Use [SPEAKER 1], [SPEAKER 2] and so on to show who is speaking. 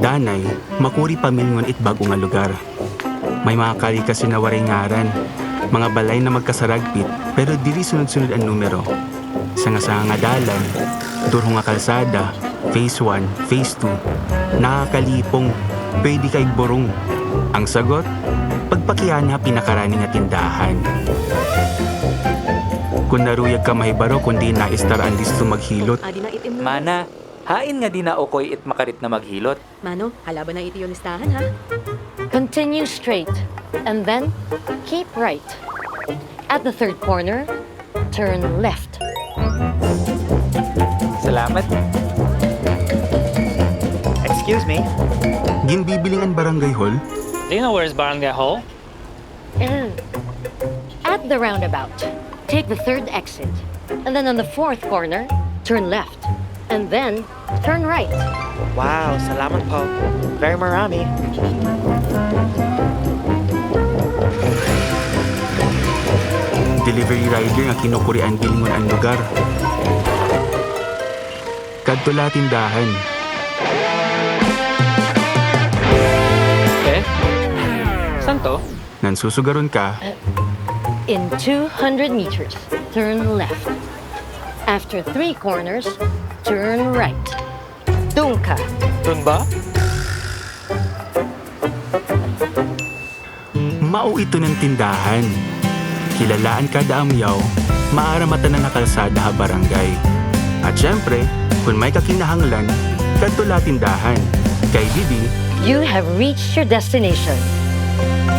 [SPEAKER 1] Danay, makuri pamilngon it bago nga lugar. May mga kali kasi na waray ngaran, mga balay na magkasaragpit pero dili sunod-sunod ang numero. Sa nga dalan, durho nga kalsada, phase 1, phase 2, nakakalipong, pwede kay borong. Ang sagot, pagpakiyan na pinakarani nga tindahan. Kung naruyag ka mahibaro kundi naistar ang listo maghilot.
[SPEAKER 2] Mana, hain nga di na okoy it makarit na maghilot.
[SPEAKER 3] Mano, halaban na iti yung listahan, ha?
[SPEAKER 4] Continue straight, and then keep right. At the third corner, turn left.
[SPEAKER 2] Salamat.
[SPEAKER 5] Excuse me.
[SPEAKER 1] Ginbibiling ang barangay hall,
[SPEAKER 6] Do you know where's Barangay Hall?
[SPEAKER 4] At the roundabout, take the third exit, and then on the fourth corner, turn left, and then turn right.
[SPEAKER 5] Wow, salamat po. Very marami.
[SPEAKER 1] delivery rider nga kinukurian bilingon ang lugar. Kadtula tindahan,
[SPEAKER 6] Saan to?
[SPEAKER 1] nan susugaron ka,
[SPEAKER 4] In 200 meters, turn left. After 3 corners, turn right. Doon ka.
[SPEAKER 2] Dun ba?
[SPEAKER 1] mao ito ng tindahan. Kilalaan kada amyaw, maaramatan na nakalsada ha barangay. At syempre, kung may kakinahanglan, kadtula tindahan. Kay Bibi,
[SPEAKER 4] You have reached your destination.